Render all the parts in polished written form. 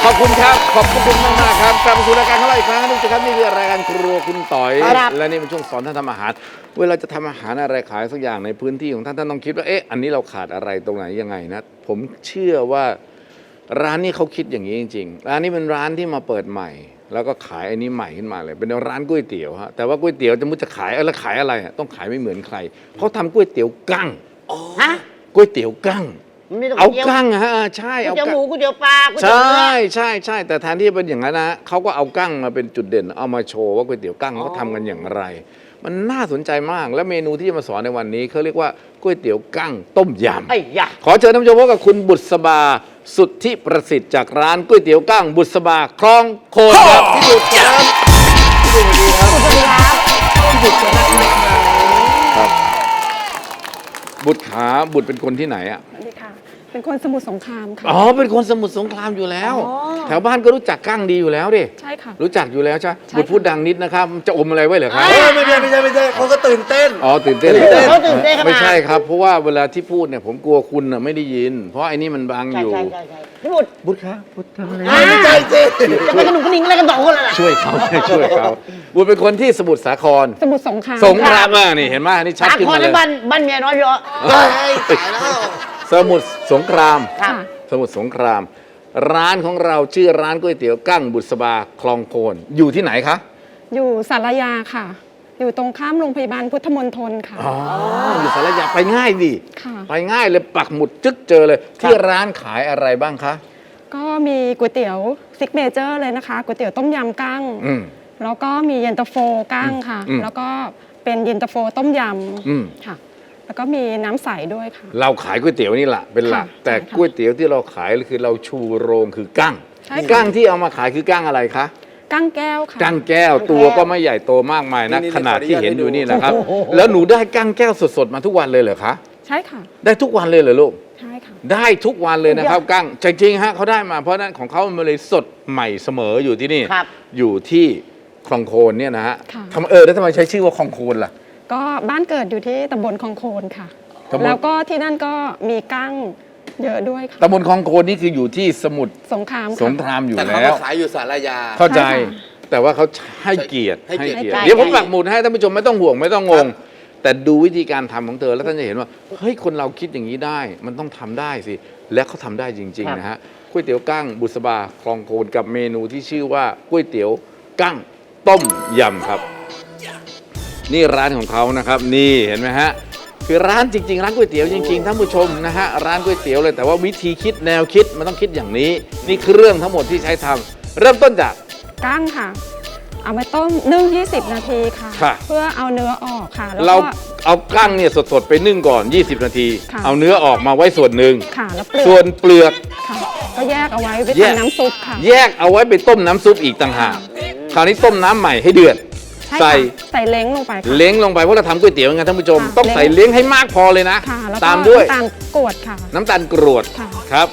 ขอบคุณครับขอบคุณมากๆครับกลับมาสู่รายการของเราอีกครั้งนึงสิครับนี่คือรายการครัวคุณต่อยและนี่เป็นช่วงสอนท่านทำอาหารเวลาจะทำอาหารอะไรขายสักอย่างในพื้นที่ของท่านต้องคิดว่าอันนี้เราขาดอะไรตรงไหนยังไงนะผมเชื่อว่าร้านนี้เขาคิดอย่างนี้จริงๆร้านนี้เป็นร้านที่มาเปิดใหม่แล้วก็ขายอันนี้ใหม่ขึ้นมาเลยเป็นร้านก๋วยเตี๋ยวฮะแต่ว่าก๋วยเตี๋ยวจะขายแล้วขายอะไรต้องขายไม่เหมือนใครเขาทำก๋วยเตี๋ยวกั้งก๋วยเตี๋ยวกั้งเอากั้งฮะใช่เอากั้งหมูก๋วยเตี๋ยวปลาใช่ใช่แต่แทนที่จะเป็นอย่างนั้นนะเขาก็เอากั้งมาเป็นจุดเด่นเอามาโชว์ว่าก๋วยเตี๋ยวกั้งเขาทำกันอย่างไรมันน่าสนใจมากและเมนูที่จะมาสอนในวันนี้เขาเรียกว่าก๋วยเตี๋ยวกั้งต้มยำขอเชิญท่านผู้ชมพบกับคุณบุษบาสุทธิประสิทธิ์จากร้านก๋วยเตี๋ยวกั้งบุษบาคลองโคนครับพี่บุษครับพี่บุษครับสวัสดีครับพี่บุษครับบุษขาบุษเป็นคนที่ไหนอ่ะเป็นคนสมุทรสงครามค่ะอ๋อเป็นคนสมุทรสงครามอยู่แล้วแถวบ้านก็รู้จักกั้งดีอยู่แล้วดิใช่ค่ะรู้จักอยู่แล้วใช่บุตรพูดดังนิดนะครับจะอมอะไรไว้เหรอครับไม่ใช่เขาก็ตื่นเต้นตื่นเต้นไม่ใช่ครับเพราะว่าเวลาที่พูดเนี่ยผมกลัวคุณน่ะไม่ได้ยินเพราะไอ้นี่มันบังอยู่พี่บุตรครับบุตรทำอะไรไม่ใช่สิจะไปกระหนุ่มกระนิ่งอะไรกันสองคนล่ะช่วยเขาบุตรเป็นคนที่สมุทรสาครสมุทรสงครามนี่เห็นไหมนี่ชัดขึ้นมาเลยบ้านเมียน้อยพี่อ๋อตายแล้วสมุทรสงครามสมุทรสงครามร้านของเราชื่อร้านก๋วยเตี๋ยวกั้งบุษบาคลองโคนอยู่ที่ไหนคะอยู่สารยาค่ะอยู่ตรงข้ามโรงพยาบาลพุทธมณฑลค่ะอ๋ออยู่สารยาไปง่ายดิไปง่ายเลยปักหมุดจึ๊กเจอเลยที่ร้านขายอะไรบ้างคะก็มีก๋วยเตี๋ยวซิกเนเจอร์เลยนะคะก๋วยเตี๋ยวต้มยำกั้งแล้วก็มีเย็นตาโฟกั้งค่ะแล้วก็เป็นเย็นตาโฟต้มยำค่ะแล้วก็มีน้ำใสด้วยค่ะเราขายก๋วยเตี๋ยวนี่แหละเป็นหลักแต่ก๋วยเตี๋ยวที่เราขายคือเราชูโรงคือกั้งกั้งที่เอามาขายคือกั้งอะไรคะกั้งแก้วค่ะกั้งแก้วตัวก็ไม่ใหญ่โตมากมายนะขนาดที่เห็นอยู่นี่นะครับแล้วหนูได้กั้งแก้วสดๆมาทุกวันเลยเหรอคะใช่ค่ะได้ทุกวันเลยเหรอลูกใช่ค่ะได้ทุกวันเลยนะครับกั้งจริงๆฮะเขาได้มาเพราะนั้นของเขามันเลยสดใหม่เสมออยู่ที่นี่อยู่ที่คลองโคนเนี่ยนะฮะแล้วทำไมใช้ชื่อว่าคลองโคนล่ะก็บ้านเกิดอยู่ที่ตำบลคลองโคนค่ะแล้วก็ที่นั่นก็มีกั้งเยอะด้วยค่ะตำบลคลองโคนนี่คืออยู่ที่สมุทรสงครามอยู่แล้วแต่เขาขายอยู่สารยาเข้าใจแต่ว่าเขาให้เกียรติเดี๋ยวผมปักหมุดให้ท่านผู้ชมไม่ต้องห่วงไม่ต้องงงแต่ดูวิธีการทำของเธอแล้วท่านจะเห็นว่าเฮ้ยคนเราคิดอย่างนี้ได้มันต้องทำได้สิและเขาทำได้จริงๆนะฮะก๋วยเตี๋ยวกั้งบุษบาคลองโคนกับเมนูที่ชื่อว่าก๋วยเตี๋ยวกั้งต้มยำครับนี่ร้านของเขานะครับนี่เห็นไหมฮะคือร้านจริงๆร้านก๋วยเตี๋ยวจริงๆท่านผู้ชมนะฮะร้านก๋วยเตี๋ยวเลยแต่ว่าวิธีคิดแนวคิดมันต้องคิดอย่างนี้นี่คือเรื่องทั้งหมดที่ใช้ทำเริ่มต้นจากกั้งค่ะเอาไปต้มนึ่ง20 นาทีค่ะเพื่อเอาเนื้อออกค่ะเราเอากั้งเนี่ยสดๆไปนึ่งก่อน20 นาทีเอาเนื้อออกมาไว้ส่วนหนึ่งส่วนเปลือกก็แยกเอาไว้ไปทำน้ำซุปค่ะแยกเอาไว้ไปต้มน้ำซุปอีกต่างหากคราวนี้ต้มน้ำใหม่ให้เดือดใส่เล้งลงไปเล้งลงไปเพราะเราทำก๋วยเตี๋ยวไงท่านผู้ชมต้องใส่เล้งให้มากพอเลยนะตามด้วยน้ำตาลกรวดค่ะน้ำตาลกรวดครับ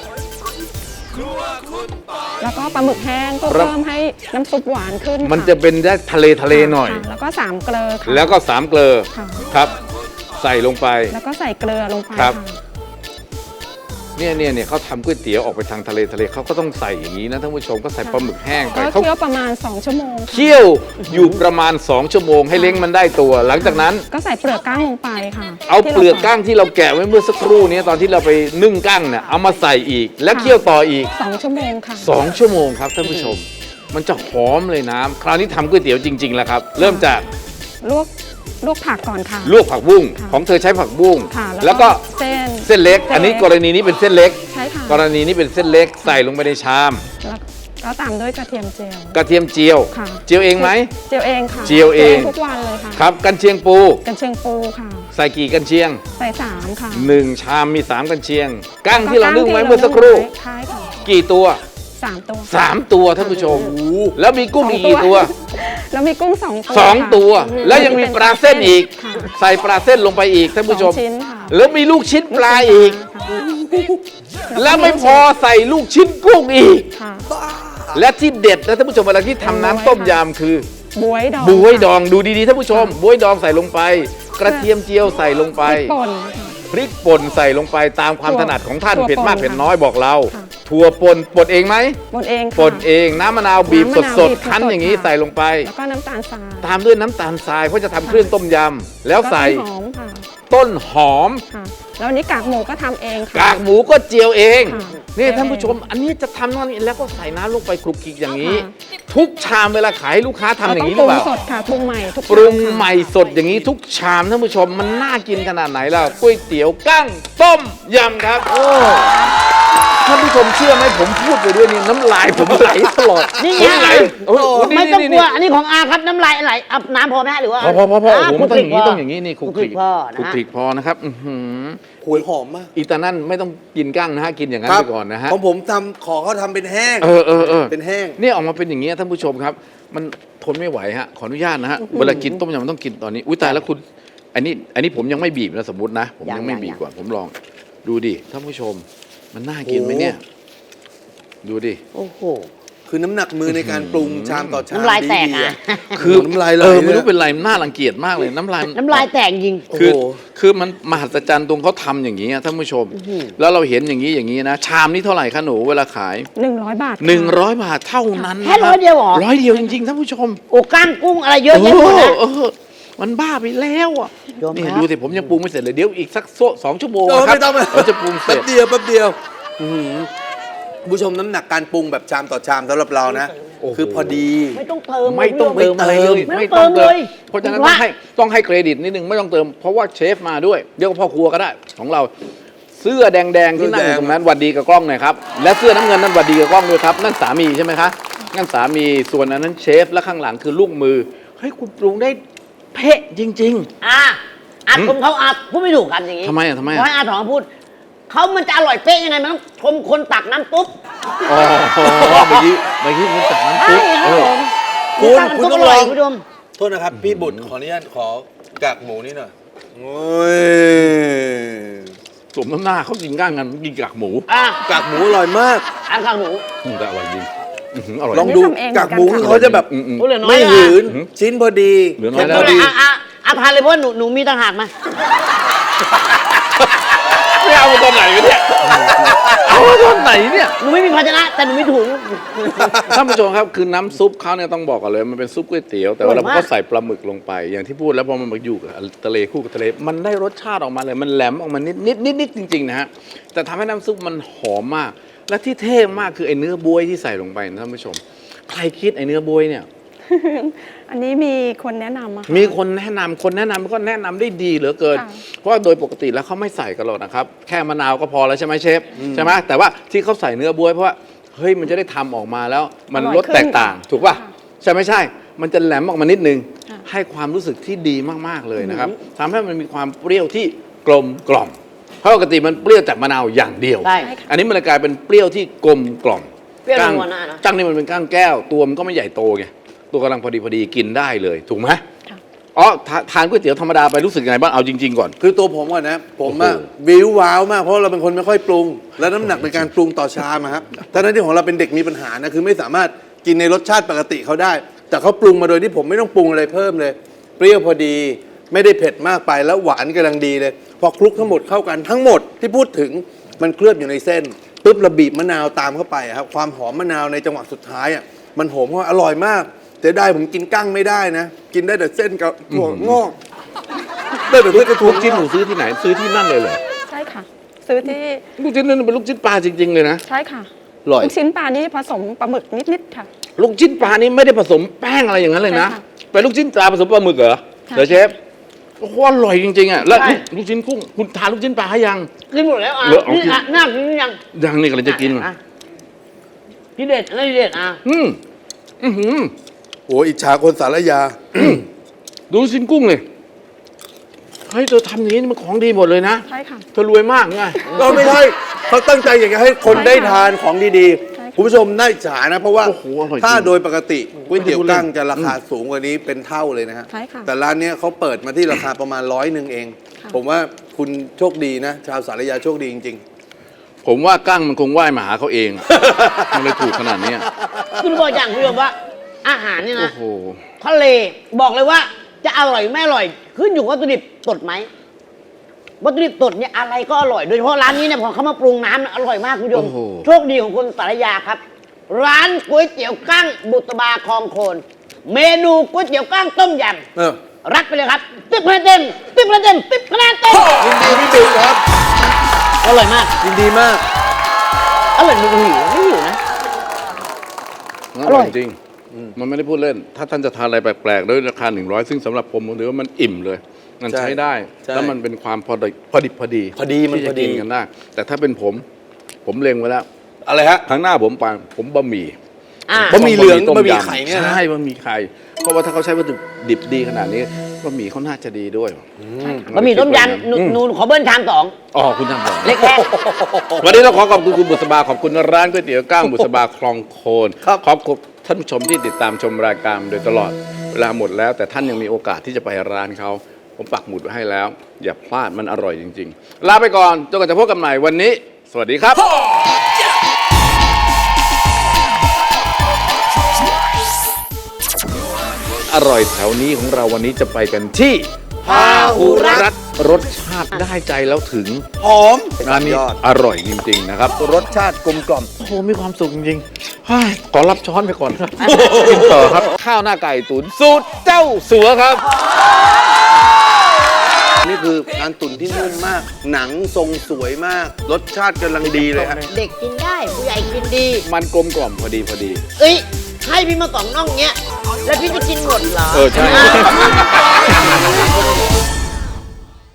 แล้วก็ปลาหมึกแห้งก็เพิ่มให้น้ำซุปหวานขึ้นมันจะเป็นได้ทะเลหน่อยแล้วก็3 เกลือแล้วก็3 เกลือครับใส่ลงไปแล้วก็ใส่เกลือลงไปครับเนี่ยเขาทำก๋วยเตี๋ยวออกไปทางทะเลเขาก็ต้องใส่อย่างนี้นะท่านผู้ชมก็ใส่ปลาหมึกแห้งไปเขาเคี่ยวประมาณ2 ชั่วโมงเคี่ยวอยู่ประมาณ2 ชั่วโมงให้เล้งมันได้ตัวหลังจากนั้นก็ใส่เปลือกกั้งลงไปค่ะเอาเปลือกกั้งที่เราแกะไว้เมื่อสักครู่นี้ตอนที่เราไปนึ่งกั้งเนี่ยเอามาใส่อีกแล้วเคี่ยวต่ออีก 2 ชั่วโมงค่ะ 2 ชั่วโมงครับท่านผู้ชมมันจะหอมเลยน้ำคราวนี้ทำก๋วยเตี๋ยวจริงๆแล้วครับเริ่มจากลวกผักก่อนค่ะลวกผักบุ้งของเธอใช้ผักบุ้งแล้วก็เส้นเล็กอันนี้กรณีนี้เป็นเส้นเล็กใช่ค่ะกรณีนี้เป็นเส้นเล็กใส่ลงไปในชามแล้วตามด้วยกระเทียมเจียวเจียวเองไหมเจียวเองค่ะเจียวเองทุกวันเลยค่ะครับกันเชียงปูค่ะใส่กี่กันเชียงใส่3ค่ะ 1 ชามมี3 กันเชียงกั้งที่เรานึ่งไว้เมื่อสักครู่กี่ตัว3 ตัวท่านผู้ชมแล้วมีกุ้งอีกกี่ตัวแล้วมีกุ้ง2 ตัวแล้วยังมีปลาเส้นอีกใส่ปลาเส้นลงไปอีกท่านผู้ชมแล้วมีลูกชิ้นปลาอีกแล้วไม่พอใส่ลูกชิ้นกุ้งอีกและที่เด็ดนะท่านผู้ชมเวลาที่ทำน้ำต้มยำคือบวยดองดูดีๆท่านผู้ชมบวยดองใส่ลงไปกระเทียมเจียวใส่ลงไปพริกป่นใส่ลงไปตามความถนัดของท่านเผ็ดมากเผ็ดน้อยบอกเราถถั่วป่นบดเองไหมบดเองค่ะป่นเองน้ำมะนาวบีบน้ำมะนาวสดบีบๆคั้นสดๆอย่างนี้ค่ะใส่ลงไปแล้วก็น้ำตาลทรายตามด้วยน้ำตาลทรายเพราะจะทำเครื่องต้มยำแล้วใส่ก็ต้นหอมค่ะต้นหอมค่ะ แล้วอันนี้กากหมูก็ทำเองค่ะกากหมูก็เจียวเองค่ะนี่เจียวท่านผู้ชมเองอันนี้จะทำนั่นนี่แล้วก็ใส่น้ำลงไปคลุกคลิกอย่างนี้ค่ะทุกชามเวลาขายให้ลูกค้าทำอย่างนี้หนี้รือเปล่าสดค่ะปรุงใหม่ทุกปรุงชามค่ะใหม่สดอย่างนี้ทุกชามท่านผู้ชมมันน่ากินขนาดไหนล่ะก๋วยเตี๋ยวกั้งต้มยำครับโอ้ท่านผู้ชมเชื่อไหมผมพูดไปด้วยนี่น้ำลายผมไหลตลอดนี่ผมไงไหลโอ้โหนี่ไม่ต้องนี่กลัว อันนี้ของอาครับน้ำลายไหลเอาน้ำพอไหมฮะหรือว่าพอโอ้โหามันต้องอย่างนี้คลุกคลิกต้องอย่างนี้นี่คลุกคลิกพอคลุกนะคลิกพอนะครับอื้อหือหวยหอมมากอีตานั่นไม่ต้องกินกั้งนะฮะกินอย่างนั้นครัไปก่อนนะฮะของผมขอเขาทำเป็นแห้งเออเป็นแห้งเนี่ยออกมาเป็นอย่างนี้ยท่านผู้ชมครับ มันทนไม่ไหวฮะขออนุญาตนะฮะเวลากินต้มยำมันต้องกินตอนนี้อุ้ยตายแล้วคุณอันนี้ผมยังไม่บีบนะสมมตินะ ผมยังไม่บีบก่อนผมลองดูดิท่านผู้ชม มันน่ากินไหมเนี่ย ดูดิโอ้โหคือน้ำหนักมือในการปรุงชามต่อชามน้ำลายแตกดีอ่ะๆคือน้ำลายไหลไม่รู้เลยเป็นไรมันน่ารังเกียจมากเลยน้ำลายน้ำลายแตกจริงคือโอ้โหคือมันมหัศจรรย์ตรงเขาทำอย่างนี้อะท่านผู้ชม แล้วเราเห็นอย่างนี้นะ ชามนี้เท่าไหร่คะหนูเวลาขาย 100 บาทค่ะ 100 บาทเท่านั้นแค่ร้อยเดียวเหรอร้อยเดียวจริงๆท่านผู้ชมโอ้ก้างกุ้งอะไรเยอะแยะหมดนะมันบ้าไปแล้วอ่ะโยมนี่ครับดูสิผมยังปรุงไม่เสร็จเลยเดี๋ยวอีกสัก2 ชั่วโมงเออครับไม่ต้องเราจะปรุงเสร็แป๊จบเดียวแป๊บเดียวอื้อหือคุณผู้ชมน้ำหนักการปรุงแบบชามต่อชามสำหรับเรานะโอ้โหคือพอดีไม่ต้องเติมไม่ต้องเติมอะไรเลยไม่ต้องเติมเลยเพราะฉะนั้นว่าต้องให้เครดิตนิดนึงไม่ต้องเติมเพราะว่าเชฟมาด้วยเดี๋ยวพ่อครัวก็ได้ของเรา เสื้อแดงๆที่นั่งอยู่ตรงนั้นหวัดดีกับกล้องหน่อยครับและเสื้อน้ำเงินนั้นหวัดดีกับกล้องด้วยครับนั่นสามีใช่ไหมคะนั่นสามีส่วนอันนั้นเชฟและข้างหลังคือลูกมือเฮ้ยคุณปรุงได้เป๊ะจริงอาชมเขาอาพูดไม่ถูกกันอย่างนี้ทำไมอ่ะทำไมอ่ะเพราะอาถอนพูดเขามันจะอร่อยเป๊ะยังไงมันต้องชมคนตักน้ำตุ๊บๆอ๋อเมื่อกี้คุณสั่งน้ำใช่ซุปครับผมคุณตักน้ำตุ๊บต้องลองคุณผู้ชมโทษนะครับ พี่บุตรขออนุญาตขอกากหมูนี่หน่อยโอ้ยสมน้ำหน้าเขากินก้างกันกินกากหมูกากหมูอร่อยมากอันข้างหนูแต่อร่อยจริงอร่อยลองดูทำเองเหมือนกันกากหมูคือเขาจะแบบโอ้เหลือน้อยไม่เลยหืนชิ้นพอดีเหลือน้อยเค็มแล้พวอดีทานเลยเพราะว่าหนูมีต่างหากมาไม่เอามาตอนไหนกันเนี่ยเอามาตอนไหนเนี่ยหนูไม่มีภาชนะแต่หนูมีถุงท่านผู้ชมครับคือน้ำซุปเขาเนี่ยต้องบอกกันเลยมันเป็นซุปก๋วยเตี๋ยวแต่ว่าเราก็ใส่ปลาหมึกลงไปอย่างที่พูดแล้วพอมันมาอยู่กับทะเลคู่กับทะเลมันได้รสชาติออกมาเลยมันแหลมออกมานิดจริงๆนะฮะแต่ทำให้น้ำซุปมันหอมมาก และที่เท่มากคือไอ้เนื้อบวยที่ใส่ลงไปนะท่านผู้ชม ใครคิดไอ้เนื้อบวยเนี่ยอันนี้มีคนแนะนำอะค่ะมีคนแนะนำก็แนะนำได้ดีเหลือเกินค่ะเพราะว่าโดยปกติแล้วเขาไม่ใส่กันหรอกนะครับ แค่มะนาวก็พอแล้วใช่ไหมเชฟใช่ไหมแต่ว่าที่เขาใส่เนื้อบวยเพราะว่าเฮ้ยมันจะได้ทำออกมาแล้วมันรสแตกต่าง ถูกป่ะใช่ไม่ใช่ มันจะแหลมออกมานิดนึง ให้ความรู้สึกที่ดีมากๆเลยนะครับทำให้มันมีความเปรี้ยวที่กลมกล่อมเพราะปกติมันเปรี้ยวจากมะนาวอย่างเดียวใช่อันนี้มันเลยกลายเป็นเปรี้ยวที่กลมกล่อมเปรี้ยวก้างนัวหน้านะก้างนี่มันเป็นก้างแก้ว ตัวมันก็ไม่ใหญ่โตไงตัวกำลังพอดีกินได้เลยถูกไหมค่ะอ๋อทานก๋วยเตี๋ยวธรรมดาไปรู้สึกยังไงบ้างเอาจริงๆก่อนคือตัวผมก่อนนะ ผมอะโอ้โหวิวว้าวมากเพราะเราเป็นคนไม่ค่อยปรุง และน้ำหนักในการปรุงต่อชามอะครับทั้งนั้นที่ของเราเป็นเด็กมีปัญหานะคือไม่สามารถกินในรสชาติปกติเขาได้ แต่เขาปรุงมาโดยที่ผมไม่ต้องปรุงอะไรเพิ่มเลย เปรี้ยวพอดี ไม่ได้เผ็ดมากไปแล้วหวานกำลังดีเลย พอคลุกทั้งหมดเข้ากันทั้งหมดที่พูดถึงมันเคลือบอยู่ในเส้นปุ๊บเราบีบมะนาวตามเข้าไปอะครับความหอมมะนาวในจังหวะสุดท้ายอะมันหอมเพราะอร่อยมากแต่ได้ผมกินกั้งไม่ได้นะ กินได้แต่เส้นกับถั่วงอกได้แต่เส้นกับถั่ลูวกชิ้นหนูซื้อที่ไหนซื้อที่นั่นเลยเหรอใช่ค่ะ ซื้อที่ลูกชิ้นนั่นเป็นลูกชิ้นปลาจริงๆเลยนะใช่ค่ะอร่อยลูกชิ้นปลานี่ผสมปลาหมึกนิดๆค่ะลูกชิ้นปลานี่ไม่ได้ผสมแป้งอะไรอย่างนั้นเลยนะใช่ค่ะเป็นลูกชิ้นปลาผสมปลาหมึกเหรอค่ะเดี๋ยวเชฟโอ้โหอร่อยจริงๆอ่ะแล้วใช่ลูกชิ้นกุ้งคุณทานลูกชิ้นปลาให้ยังกินหมดแล้วอ่ะเหลือเอานี่กินอ่ะน่ากินหรือยังยังนี่กำลังจะกินอ่ะที่เด็ดอะไรที่เด็ดอ่ะอืมอือหือโอ้อิจฉาคนสารยาดูลูกชิ้นกุ้งเลยเฮ้ยเธอทำอย่างนี้มันของดีหมดเลยนะใช่ค่ะเธอรวยมากไงก็ไม่ใช่เขาตั้งใจอยากจะให้คนได้ทานของดีใช่ค่ะๆคุณผู้ชมน่าอิจฉานะ เพราะว่าโอ้โหอร่อยจริงถ้าโดยปกติก๋วยเตี๋ยวไม่ได้พูดเล่นกั้งจะราคาสูงกว่านี้เป็นเท่าเลยนะฮะใช่ค่ะแต่ร้านเนี้ยเขาเปิดมาที่ราคาประมาณ100เองค่ะผมว่าคุณโชคดีนะ ชาวสารยาโชคดีจริงผมว่ากั้งมันคงว่ายมาหาเขาเอง มันเลยถูกขนาดเนี้ยคุณบอกอย่างคุณผู้ชมว่า อาหารเนี่ยโอ้นะโหทะเลบอกเลยว่าจะอร่อยไม่อร่อย ขึ้นอยู่กับวัตถุดิบสดไหมวัตถุดิบสดเนี่ยอะไรก็อร่อย โดยเฉพาะร้านนี้เนี่ยพอเขามาปรุงน้ำเนี่ยอร่อยมากคุณผู้ชมโอ้โหโชคดีของคนสารยาครับ ร้านก๋วยเตี๋ยวกั้งบุตรบาคลองโคน เมนูก๋วยเตี๋ยวกั้งต้มยเออำรับไปเลยครับ10 คะแนนเต็ม10 คะแนนเต็ม10 คะแนนเต็มยินดีพี่บิ๊กครับอร่อยมากยินดีมากอร่อยไม่หิวไม่หิวนะอร่อยจริงมันไม่ได้พูดเล่น ถ้าท่านจะทานอะไรแปลกๆด้วยราคา100ซึ่งสำหรับผมถือว่ามันอิ่มเลย มันใช่ใช้ได้ใช่แล้วมันเป็นความพอดิบพอดีพอดีมันที่พจะอดีกินกันได้ แต่ถ้าเป็นผมเล็งไว้แล้วอะไรฮะครั้งหน้าผมบะหมี่อ่าบะหมี่เหลืองต้บะหมี่ยำไข่เนี่ยนะใช่บะหมี่ไข่เพราะว่าถ้าเขาใช้วัตถุดิบดีขนาดนี้บะหมี่เขาน่าจะดีด้วยบะหมี่ต้มยำนูนขอเบิ้ลชาม2 อ๋อคุณทำก่อนเล็กแค่วันนี้เราขอขอบคุณคุณบุษบาขอบคุณร้านก๋วยเตี๋ยวก้างบุษบาคลองโคนครับขอบคุณท่านผู้ชมที่ติดตามชมรายการโดยตลอดเวลาหมดแล้ว แต่ท่านยังมีโอกาสที่จะไปร้านเขาผมปักหมุดไว้ให้แล้ว อย่าพลาดมันอร่อยจริง ๆ ลาไปก่อนจนกว่าจะพบกันใหม่วันนี้ สวัสดีครับ อร่อยแถวนี้ของเราวันนี้จะไปกันที่พาหุรัตน์รสชาติได้ใจแล้วถึงหอมร้านนี้ยอดอร่อยจริง ๆ นะครับรสชาติกลมกล่อมโอ้โหมีความสุขจริงๆเฮ้ยขอรับช้อนไปก่อนครับ กินต่อครับ ข้าวหน้าไก่ตุ๋นสูตรเจ้าสัวครับนี่คือการตุ๋นที่นุ่มมาก หนังทรงสวยมาก รสชาติกำลังดีเลยฮะเด็กกินได้ผู้ใหญ่กินดีมันกลมกล่อมพอดีเอ้ยให้พี่มา2 น่องเงี้ย แล้วพี่จะกินหมดเหรอเออใช่